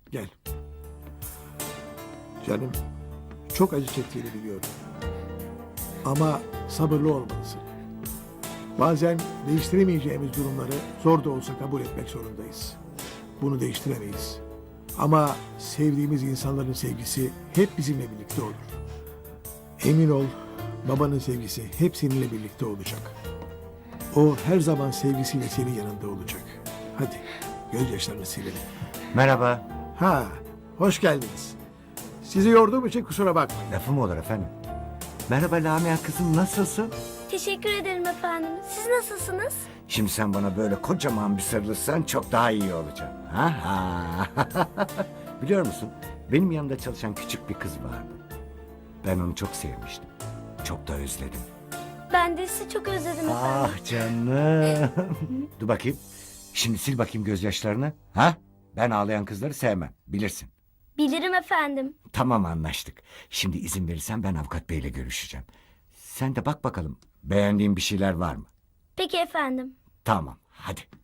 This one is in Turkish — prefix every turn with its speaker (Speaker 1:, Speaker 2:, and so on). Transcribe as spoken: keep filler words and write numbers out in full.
Speaker 1: Gel. Canım, çok acı çektiğini biliyorum. Ama sabırlı olmalısın. Bazen değiştiremeyeceğimiz durumları zor da olsa kabul etmek zorundayız. Bunu değiştiremeyiz. Ama sevdiğimiz insanların sevgisi hep bizimle birlikte olur. Emin ol, babanın sevgisi hep seninle birlikte olacak. O her zaman sevgisiyle senin yanında olacak. Hadi, gözyaşlarını silelim.
Speaker 2: Merhaba.
Speaker 1: Ha, hoş geldiniz. Sizi yorduğum için kusura bakmayın.
Speaker 2: Lafı mı olur efendim? Merhaba Lamia kızım, nasılsın?
Speaker 3: Teşekkür ederim efendim. Siz nasılsınız?
Speaker 2: Şimdi sen bana böyle kocaman bir sarılırsan çok daha iyi olacağım. Ha ha. Biliyor musun? Benim yanımda çalışan küçük bir kız vardı. Ben onu çok sevmiştim. Çok da özledim.
Speaker 3: Ben de sizi çok özledim efendim.
Speaker 2: Ah canım. Dur bakayım. Şimdi sil bakayım gözyaşlarını. Ha? Ben ağlayan kızları sevmem. Bilirsin.
Speaker 3: Bilirim efendim.
Speaker 2: Tamam, anlaştık. Şimdi izin verirsen ben avukat beyle görüşeceğim. Sen de bak bakalım beğendiğin bir şeyler var mı?
Speaker 3: Peki efendim.
Speaker 2: Tamam, hadi.